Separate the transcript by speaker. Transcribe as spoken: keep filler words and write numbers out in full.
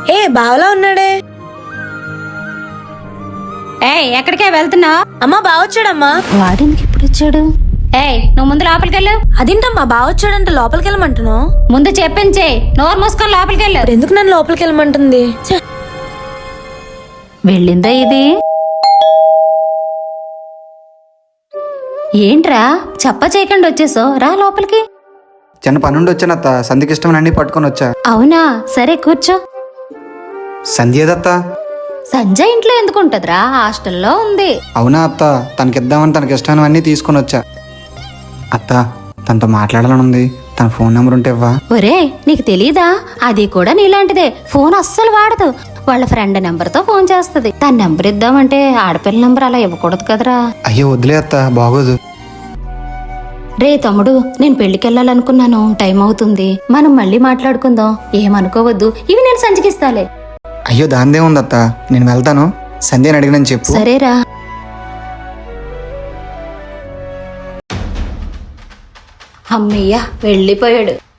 Speaker 1: ఏ బావలా ఉన్నాడే.
Speaker 2: ఏయ్ ఎక్కడికే వెళ్తున్నావు?
Speaker 1: అమ్మా బావొచ్చాడమ్మా.
Speaker 2: వాడికి ఇప్పుడు వచ్చాడు. ఏయ్ నువ్వు ముందు లోపలికెళ్ళు.
Speaker 1: అదేంటమ్మా బావొచ్చాడంటే లోపలికి వెళ్ళమంటున్నావు?
Speaker 2: ముందు చెప్పించే, నోరు మూసుకొని లోపలికెళ్ళు.
Speaker 1: ఎందుకు నన్ను లోపలికి వెళ్ళమంటుంది?
Speaker 2: వెళ్ళిందా ఇది? ఏంట్రా చెప్ప చేయకుండా వచ్చేసో, రా లోపలికి.
Speaker 3: చిన్న పనుండి వచ్చానత్త, సంధ్యకి ఇష్టం అన్ని పట్టుకొని వచ్చా.
Speaker 2: అవునా, సరే కూర్చో.
Speaker 3: సంధ్య ఏదత్త?
Speaker 2: సంజయ్ ఇంట్లో ఎందుకు ఉంటదిరా, హాస్టల్లో ఉంది.
Speaker 3: అవునా అత్త, తనకిద్దామని తనకి ఇష్టమైనవన్నీ తీసుకొని వచ్చా. అత్త తనతో మాట్లాడాలని ఉంది, తన ఫోన్ నెంబర్ ఉంటే ఇవ్వా?
Speaker 2: ఒరే నీకు తెలీదా, అది కూడా నీలాంటిదే. ఫోన్ అస్సలు వాడదు. వాళ్ళ ఫ్రెండ్ నెంబర్ తో ఫోన్ చేస్తది. తన నెంబర్ ఇద్దామంటే ఆడపిల్ల నెంబర్ అలా ఇవ్వకూడదు కదరా.
Speaker 3: అయ్యో వదిలే అత్త, బాగోదు.
Speaker 2: రే తమ్ముడు, నేను పెళ్లికెళ్ళాలనుకున్నాను, టైం అవుతుంది, మనం మళ్ళీ మాట్లాడుకుందాం, ఏమనుకోవద్దు. ఇవి నేను సంచికిస్తాలే.
Speaker 3: అయ్యో దాందే ఉంది అత్త, నేను వెళ్తాను. సంధ్యని అడిగినని చెప్పు.
Speaker 2: సరేరా. అమ్మయ్య వెళ్ళిపోయాడు.